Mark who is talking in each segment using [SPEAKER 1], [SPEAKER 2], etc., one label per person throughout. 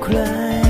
[SPEAKER 1] ใคร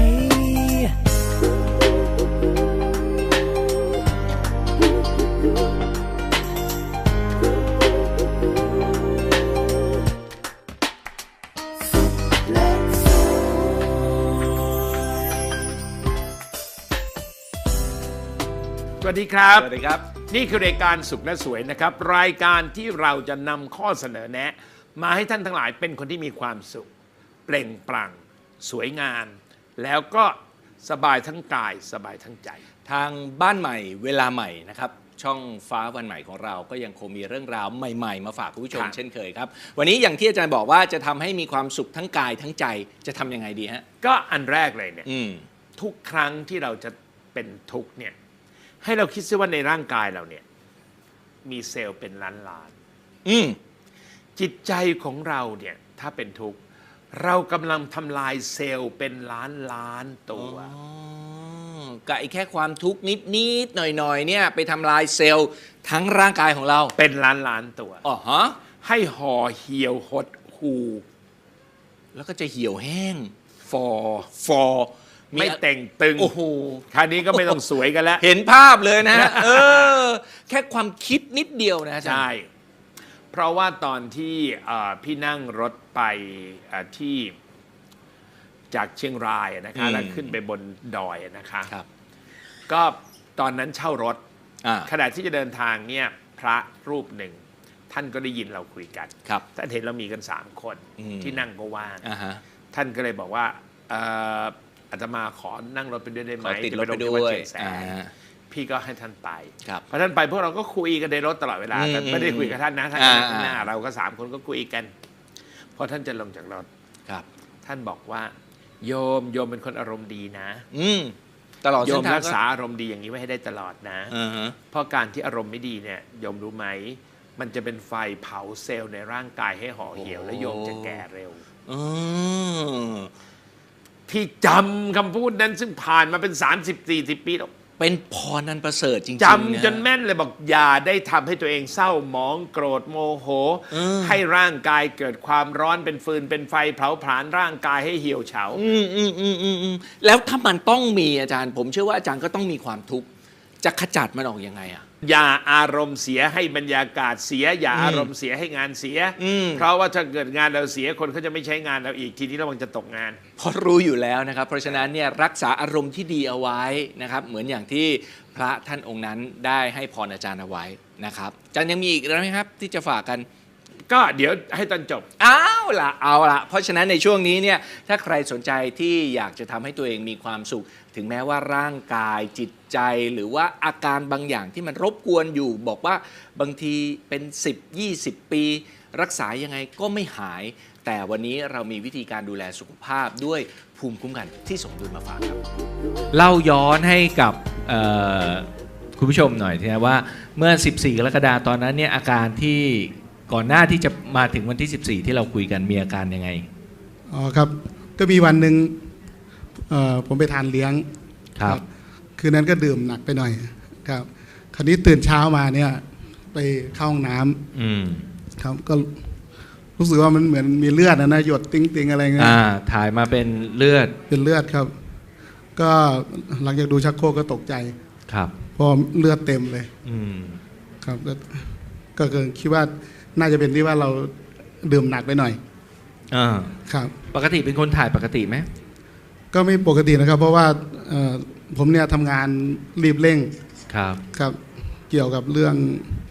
[SPEAKER 2] สวัสดีครับ
[SPEAKER 3] สวัสดีครับ
[SPEAKER 2] นี่คือรายการสุขและสวยนะครับรายการที่เราจะนำข้อเสนอแนะ มาให้ท่านทั้งหลายเป็นคนที่มีความสุขเปล่งปลั่งสวยงามแล้วก็สบายทั้งกายสบายทั้งใจ
[SPEAKER 3] ทางบ้านใหม่เวลาใหม่นะครับช่องฟ้าวันใหม่ของเราก็ยังคงมีเรื่องราวใหม่ๆมาฝากคุณผู้ชม
[SPEAKER 2] ครับ
[SPEAKER 3] เช่นเคยครับวันนี้อย่างที่อาจารย์บอกว่าจะทำให้มีความสุขทั้งกายทั้งใจจะทำยังไงดีฮะ
[SPEAKER 2] ก็อันแรกเลยเนี่ย
[SPEAKER 3] อืม
[SPEAKER 2] ทุกครั้งที่เราจะเป็นทุกข์เนี่ยให้เราคิดซิว่าในร่างกายเราเนี่ยมีเซลล์เป็นล้าน
[SPEAKER 3] อืม
[SPEAKER 2] ๆจิตใจของเราเนี่ยถ้าเป็นทุกข์เรากำลังทำลายเซลล์เป็นล้านตัว
[SPEAKER 3] กับไอ้แค่ความทุกข์นิดๆหน่อยๆเนี่ยไปทำลายเซลล์ทั้งร่างกายของเรา
[SPEAKER 2] เป็นล้านตัว
[SPEAKER 3] อ๋อฮะ
[SPEAKER 2] ให้ห่อเหี่ยวหดหู
[SPEAKER 3] แล้วก็จะเหี่ยวแห้ง
[SPEAKER 2] ฟอ
[SPEAKER 3] ฟอ
[SPEAKER 2] ไม่แต่งตึง
[SPEAKER 3] โอ้โห
[SPEAKER 2] คราวนี้ก็ไม่ต้องสวยกันแล้ว
[SPEAKER 3] เห็นภาพเลยนะฮะ แค่ความคิดนิดเดียวนะอาจารย์
[SPEAKER 2] ใช่ เพราะว่าตอนที่พี่นั่งรถไปที่จากเชียงรายนะคะแล้วขึ้นไปบนดอยนะคะ
[SPEAKER 3] ครับ
[SPEAKER 2] ก็ตอนนั้นเช่ารถ
[SPEAKER 3] อ่า
[SPEAKER 2] ขณะที่จะเดินทางเนี่ยพระรูปหนึ่ง ท่านก็ได้ยินเราคุยกัน
[SPEAKER 3] ครับ
[SPEAKER 2] ท่านเห็นเรามีกัน3 คน
[SPEAKER 3] อืม
[SPEAKER 2] ที่นั่งก็ว่าง
[SPEAKER 3] อ่าฮะ
[SPEAKER 2] ท่านก็เลยบอกว่าอาตมาขอนั่งรถไปด้วยได้ไหม
[SPEAKER 3] ขอติดรถไป
[SPEAKER 2] จะ
[SPEAKER 3] ด้
[SPEAKER 2] ลงที่
[SPEAKER 3] วย
[SPEAKER 2] ดเชียงแสน พี่ก็ให้ท่านไป
[SPEAKER 3] ครับ
[SPEAKER 2] พอท่านไปพวกเราก็คุยกันในรถตลอดเวลาแต่ไม่ได้คุยกับท่านนะท่านก็นั่งข้างหน้า
[SPEAKER 3] อ่า
[SPEAKER 2] เราก็3 คนก็คุยกันพอท่านจะลงจากรถ
[SPEAKER 3] ครับ
[SPEAKER 2] ท่านบอกว่าโยมเป็นคนอารมณ์ดีนะ
[SPEAKER 3] อืมตลอด
[SPEAKER 2] โย
[SPEAKER 3] เส้
[SPEAKER 2] ม
[SPEAKER 3] นทาง
[SPEAKER 2] รักษาอารมณ์ดีอย่างนี้ไว้ให้ได้ตลอดนะ
[SPEAKER 3] อ่าฮะ
[SPEAKER 2] เพราะการที่อารมณ์ไม่ดีเนี่ยโยมรู้ไหมมันจะเป็นไฟเผาเซลล์ในร่างกายให้ห่อเหี่ยว และโยมจะแก่เร็ว
[SPEAKER 3] อืม
[SPEAKER 2] พี่จำคำพูดนั้นซึ่งผ่านมาเป็น30-40 ปีแล้ว
[SPEAKER 3] เป็นพรนันประเสริฐจริงๆ
[SPEAKER 2] จำจน
[SPEAKER 3] นะ
[SPEAKER 2] แม่นเลยบอกอย่าได้ทำให้ตัวเองเศร้าหมองโกรธโมโห ให้ร่างกายเกิดความร้อนเป็นฟืนเป็นไฟเผาผลาญร่างกายให้เหี่ยวเฉา
[SPEAKER 3] แล้วถ้ามันต้องมีอาจารย์ ผมเชื่อว่าอาจารย์ก็ต้องมีความทุกข์จะขจัดมันออกยังไงอ่ะ
[SPEAKER 2] อย่าอารมณ์เสียให้บรรยากาศเสีย อย่าอารมณ์เสียให้งานเสีย เพราะว่าถ้าเกิดงานเราเสียคนเขาจะไม่ใช้งานเราอีกทีนี้ระวังจะตกงาน
[SPEAKER 3] เพราะรู้อยู่แล้วนะครับ เพราะฉะนั้นเนี่ยรักษาอารมณ์ที่ดีเอาไว้นะครับ เหมือนอย่างที่พระท่านองค์นั้นได้ให้พรอาจารย์เอาไว้นะครับอาจารย์ยังมีอีกไหมครับที่จะฝากกัน
[SPEAKER 2] ก็เดี๋ยวให้ตอนจบ
[SPEAKER 3] เอาละเพราะฉะนั้นในช่วงนี้เนี่ยถ้าใครสนใจที่อยากจะทำให้ตัวเองมีความสุข ถึงแม้ว่าร่างกายจิตใจหรือว่าอาการบางอย่างที่มันรบกวนอยู่ บอกว่าบางทีเป็น10-20 ปี รักษายังไงก็ไม่หาย แต่วันนี้เรามีวิธีการดูแลสุขภาพด้วยภูมิคุ้มกันที่สมดุลมาฝากครับเล่าย้อนให้กับคุณผู้ชมหน่อยนะว่าเมื่อ14 กรกฎาคมตอนนั้นเนี่ยอาการที่ก่อนหน้าที่จะมาถึงวันที่14ที่เราคุยกันมีอาการยังไง
[SPEAKER 4] อ๋อครับก็มีวันหนึ่งผมไปทานเลี้ยง
[SPEAKER 3] ครับ
[SPEAKER 4] คืนนั้นก็ดื่มหนักไปหน่อยครับคราวนี้ตื่นเช้ามาเนี่ยไปเข้าห้องน้ำครับก็รู้สึกว่ามันเหมือนมีเลือดนะหยดติ้งๆอะไรเงี้ย
[SPEAKER 3] ถ่ายมาเป็นเลือด
[SPEAKER 4] เป็นเลือดครับ ก็หลังจากดูชักโครกก็ตกใจ
[SPEAKER 3] ครับ
[SPEAKER 4] เพราะเลือดเต็มเลยครับก็คิดว่าน่าจะเป็นที่ว่าเราดื่มหนักไปหน่อยครับ
[SPEAKER 3] ปกติเป็นคนถ่ายปกติไหม
[SPEAKER 4] ก็ไม่ปกตินะครับ เพราะว่าผมเนี่ยทำงานรีบเร่ง
[SPEAKER 3] ครับ
[SPEAKER 4] ครับเกี่ยวกับเรื่อง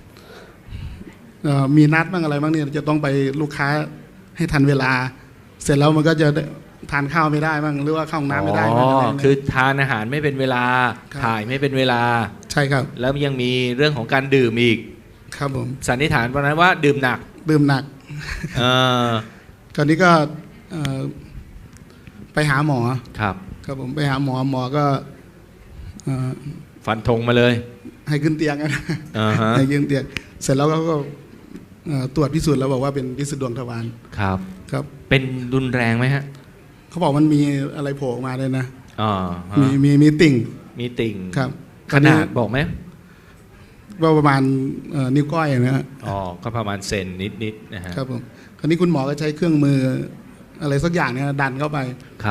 [SPEAKER 4] มีนัดบ้างอะไรบ้างเนี่ยจะต้องไปลูกค้าให้ทันเวลา เสร็จแล้วมันก็จะทานข้าวไม่ได้บ้างหรือว่าเข้าห้องน้ำไม่ได้บ้างอะไร
[SPEAKER 3] คือทานอาหารไม่เป็นเวลา
[SPEAKER 4] ครับ
[SPEAKER 3] ถ่ายไม่เป็นเวลา
[SPEAKER 4] ใช่ครับ
[SPEAKER 3] แล้วยังมีเรื่องของการดื่มอีก
[SPEAKER 4] ครับผม
[SPEAKER 3] สันนิษฐานวันนั้นว่าดื่มหนัก
[SPEAKER 4] ดื่มหนักคราวนี้ก็ไปหาหมอ
[SPEAKER 3] ครับ
[SPEAKER 4] ครับผมไปหาหมอก็
[SPEAKER 3] ฟันธงมาเลย
[SPEAKER 4] ให้ขึ้นเตียงนะให้ขึ้นเตียงเสร็จแล้วก็ตรวจพิสูจน์แล้วบอกว่าเป็นพิษดวงทวาร
[SPEAKER 3] ครับ
[SPEAKER 4] ครับ
[SPEAKER 3] เป็นรุนแรงไหมฮะ
[SPEAKER 4] เขาบอกมันมีอะไรโผล่ออกมาเลยนะ
[SPEAKER 3] มี
[SPEAKER 4] มีติ่ง
[SPEAKER 3] มีติ่ง
[SPEAKER 4] ครับ
[SPEAKER 3] ขนาดบอกไหม
[SPEAKER 4] ว่าประมาณนิ้วก้อยนะฮะ
[SPEAKER 3] ก็ประมาณเซนนิดๆนะฮะ
[SPEAKER 4] ครับผมคราวนี้คุณหมอก็ใช้เครื่องมืออะไรสักอย่างเนี่ยดันเข้าไป
[SPEAKER 3] ครับ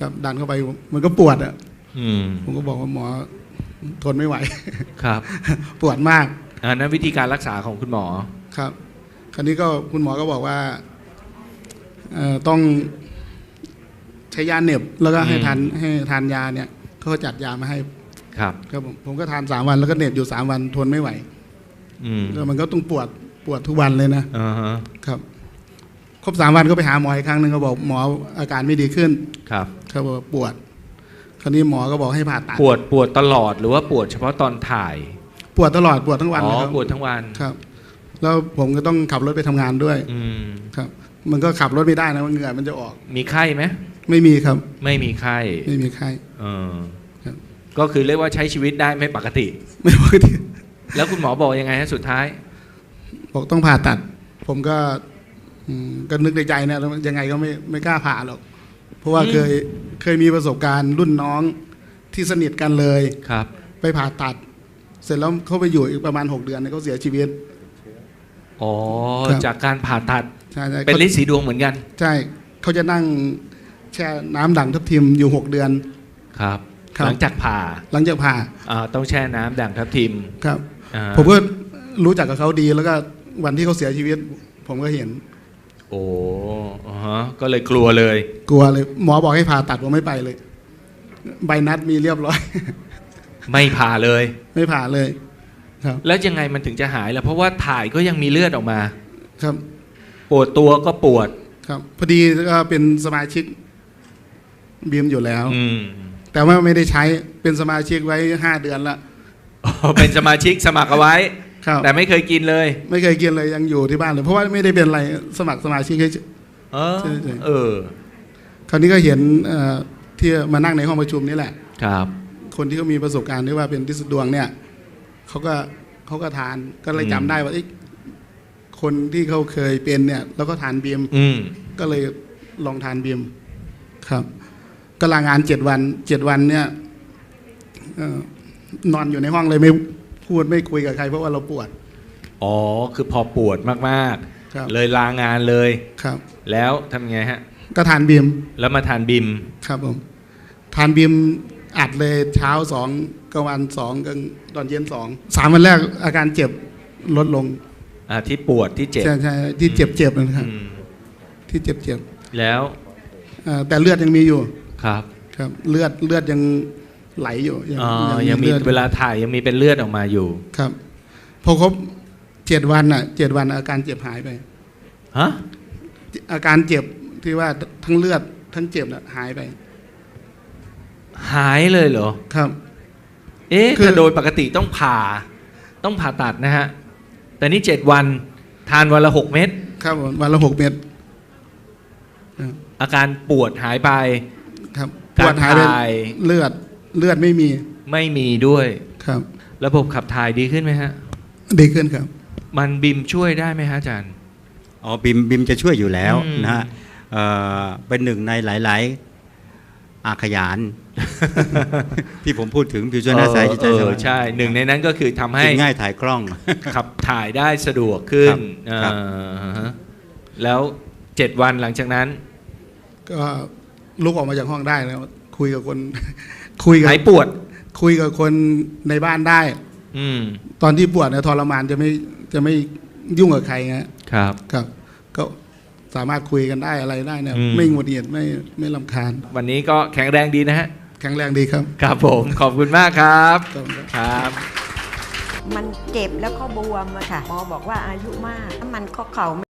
[SPEAKER 4] ครับดันเข้าไปมันก็ปวดอ่ะ
[SPEAKER 3] อืม
[SPEAKER 4] ผมก็บอกว่าหมอทนไม่ไหว
[SPEAKER 3] ครับ
[SPEAKER 4] ปวดมาก
[SPEAKER 3] อันนั้นวิธีการรักษาของคุณหมอ
[SPEAKER 4] ครับ คราวนี้ก็คุณหมอก็บอกว่าต้องใช้ยาเหน็บแล้วก็ให้ทานยาเนี่ยเขาก็จัดยามาให้
[SPEAKER 3] ครับ
[SPEAKER 4] ครับผมก็ทาน3 วันแล้วก็เหน็บอยู่3 วันทนไม่ไหว
[SPEAKER 3] อืม
[SPEAKER 4] แล้วมันก็ต้องปวดทุกวันเลยนะ
[SPEAKER 3] อ่าฮะ
[SPEAKER 4] ครับครบ3 วันก็ไปหาหมออีกครั้งหนึ่งก็บอกหมออาการไม่ดีขึ้น
[SPEAKER 3] ครับ
[SPEAKER 4] เขาบอกปวด คราวนี้หมอก็บอกให้ผ่าตัด
[SPEAKER 3] ปวดตลอดหรือว่าปวดเฉพาะตอนถ่าย
[SPEAKER 4] ปวดตลอดปวดทั้งวัน
[SPEAKER 3] อ๋อ
[SPEAKER 4] เลยครับ
[SPEAKER 3] ปวดทั้งวัน
[SPEAKER 4] ครับ แล้วผมก็ต้องขับรถไปทำงานด้วย
[SPEAKER 3] อืม
[SPEAKER 4] ครับ มันก็ขับรถไม่ได้นะมันเหงื่อมันจะออก
[SPEAKER 3] มีไข้ไหม
[SPEAKER 4] ไม่มีครับ
[SPEAKER 3] ไม่มีไข้
[SPEAKER 4] ไม่มีไข้
[SPEAKER 3] เออ
[SPEAKER 4] ครับ
[SPEAKER 3] ก็คือเรียกว่าใช้ชีวิตได้ไม่ปกติ
[SPEAKER 4] ไม่ปกติ
[SPEAKER 3] แล้วคุณหมอบอกยังไงฮะสุดท้าย
[SPEAKER 4] บอกต้องผ่าตัด ผมก็ก็นึกในใจนะแล้วยังไงก็ไม่กล้าผ่าหรอก เพราะว่าเคยมีประสบการณ์รุ่นน้องที่สนิทกันเลย
[SPEAKER 3] ครับ
[SPEAKER 4] ไปผ่าตัด เสร็จแล้วเขาไปอยู่อีกประมาณ6 เดือนเนี่ยเขาเสียชีวิต
[SPEAKER 3] อ๋อ
[SPEAKER 4] ครับ
[SPEAKER 3] จากการผ่าตัด
[SPEAKER 4] ใช่ใช่
[SPEAKER 3] เป็นฤทธิ์สีดวงเหมือนกัน
[SPEAKER 4] ใช่เขาจะนั่งแช่น้ำด่างทับทิมอยู่6 เดือน
[SPEAKER 3] ครับ
[SPEAKER 4] ครับ
[SPEAKER 3] หลังจากผ่า
[SPEAKER 4] หลังจากผ่า
[SPEAKER 3] ต้องแช่น้ำด่างทับทิม
[SPEAKER 4] ครับ
[SPEAKER 3] อ่า
[SPEAKER 4] ผมก็รู้จักกับเขาดีแล้วก็วันที่เขาเสียชีวิต ผมก็เห็น
[SPEAKER 3] โอ้อ่าฮะก็เลยกลัวเลย
[SPEAKER 4] กลัวเลยหมอบอกให้ผ่าตัดผมไม่ไปเลย ใบนัดมีเรียบร้อย
[SPEAKER 3] ไม่ผ่าเลย
[SPEAKER 4] ไม่ผ่าเลย ครับ
[SPEAKER 3] แล้วยังไงมันถึงจะหายล่ะเพราะว่าถ่ายก็ยังมีเลือดออกมา
[SPEAKER 4] ครับ
[SPEAKER 3] ปวดตัวก็ปวด
[SPEAKER 4] ครับพอดีก็เป็นสมาชิกบีมอยู่แล้ว
[SPEAKER 3] อืม
[SPEAKER 4] แต่ว่าไม่ได้ใช้เป็นสมาชิกไว้5 เดือนละ
[SPEAKER 3] อ๋อเป็นสมาชิกสมัครเอาไว้
[SPEAKER 4] ครับ
[SPEAKER 3] แต่ไม่เคยกินเลย
[SPEAKER 4] ไม่เคยกินเลยยังอยู่ที่บ้านเลยเพราะว่าไม่ได้เป็นอะไรสมัครสมาชิกให้
[SPEAKER 3] เออ
[SPEAKER 4] ใช่ใช่
[SPEAKER 3] เออ
[SPEAKER 4] คราวนี้ก็เห็นที่มานั่งในห้องประชุมนี่แหละ
[SPEAKER 3] ครับ
[SPEAKER 4] คนที่เขามีประสบการณ์ที่ว่าเป็นฤทธิ์ดวงเนี่ยเขาก็ทานก็เลยจำได้ว่าคนที่เขาเคยเป็นเนี่ย แล้วก็ทานบีม
[SPEAKER 3] อืม
[SPEAKER 4] ก็เลยลองทานบีมครับก็ลางาน7 วัน7 วันเนี่ยนอนอยู่ในห้องเลยไม่พูดไม่คุยกับใครเพราะว่าเราปวด
[SPEAKER 3] อ๋อคือพอปวดมาก
[SPEAKER 4] ครับ
[SPEAKER 3] ๆ เลยลางานเลย
[SPEAKER 4] ครับ
[SPEAKER 3] แล้วทำไงฮะ
[SPEAKER 4] ก็ทานบีม
[SPEAKER 3] แล้วมาทานบิม
[SPEAKER 4] ครับผมทานบีมอัดเลยเช้า2 กลางวัน2 กลางตอนเย็น2 3 วันแรกอาการเจ็บลดลง
[SPEAKER 3] ที่ปวดที่เจ็บ
[SPEAKER 4] ใช่ใช่ที่เจ็บนะครับ
[SPEAKER 3] อืม
[SPEAKER 4] ที่เจ็บ
[SPEAKER 3] แล้ว
[SPEAKER 4] แต่เลือดยังมีอยู่
[SPEAKER 3] ครับ
[SPEAKER 4] ครับเลือดยังไหลอยู่
[SPEAKER 3] ยังมี
[SPEAKER 4] ลือด
[SPEAKER 3] เวลาถ่ายยังมีเป็นเลือดออกมาอยู่
[SPEAKER 4] ครับพอครบ7 วัน7 วันอาการเจ็บหายไป
[SPEAKER 3] ฮะ
[SPEAKER 4] อาการเจ็บที่ว่าทั้งเลือดทั้งเจ็บน่ะหายไป
[SPEAKER 3] หายเลยเหรอ
[SPEAKER 4] ครับ คือ
[SPEAKER 3] แต่โดยปกติต้องผ่าตัดนะฮะ แต่นี่7 วันทานวันละ6 เม็ด
[SPEAKER 4] ครับผมวันละ6 เม็ด
[SPEAKER 3] อาการปวดหายไป
[SPEAKER 4] ครับป
[SPEAKER 3] การ
[SPEAKER 4] วดหายไป
[SPEAKER 3] ถ่าย
[SPEAKER 4] เลือดไม่มี
[SPEAKER 3] ไม่มีด้วย
[SPEAKER 4] ครับ
[SPEAKER 3] ระบบขับถ่ายดีขึ้นไหมฮะ
[SPEAKER 4] ดีขึ้นครับ
[SPEAKER 3] มันบิมช่วยได้ไหมฮะอาจารย์
[SPEAKER 1] อ๋อบิมจะช่วยอยู่แล้ว
[SPEAKER 3] อืม
[SPEAKER 1] นะฮะเป็นหนึ่งในหลาย ๆ อาขยาน ที่ผมพูดถึงผิวช่วยหน้าใสจิตใจสว่าง
[SPEAKER 3] ใช่หนึ่งในนั้นก็คือทำให้
[SPEAKER 1] กินง่ายถ่ายคล่อง
[SPEAKER 3] ขับถ่ายได้สะดวกขึ้น
[SPEAKER 1] ครับ
[SPEAKER 3] ฮะแล้ว7 วันหลังจากนั้น
[SPEAKER 4] ก็ลุกออกมาจากห้องได้แล้ว คุยกับคน คุยกับ
[SPEAKER 3] หายปวด
[SPEAKER 4] คุยกับคนในบ้านได้
[SPEAKER 3] อืม
[SPEAKER 4] ตอนที่ปวดเนี่ยทรมานจะไม่ยุ่งกับใครฮะ
[SPEAKER 3] ครับ
[SPEAKER 4] ครับ ก็สามารถคุยกันได้อะไรได้เนี่ย
[SPEAKER 3] อืม
[SPEAKER 4] ไม่หงุดหงิดไม่รำคาญ
[SPEAKER 3] วันนี้ก็แข็งแรงดีนะฮะ
[SPEAKER 4] แข็งแรงดีครับ
[SPEAKER 3] ครับผมขอบคุณมากครับ
[SPEAKER 4] ขอบคุณครับ
[SPEAKER 3] ครับ
[SPEAKER 5] มันเจ็บแล้วก็บวมอะค่ะหมอบอกว่าอายุมากถ้ามันข้อเข่า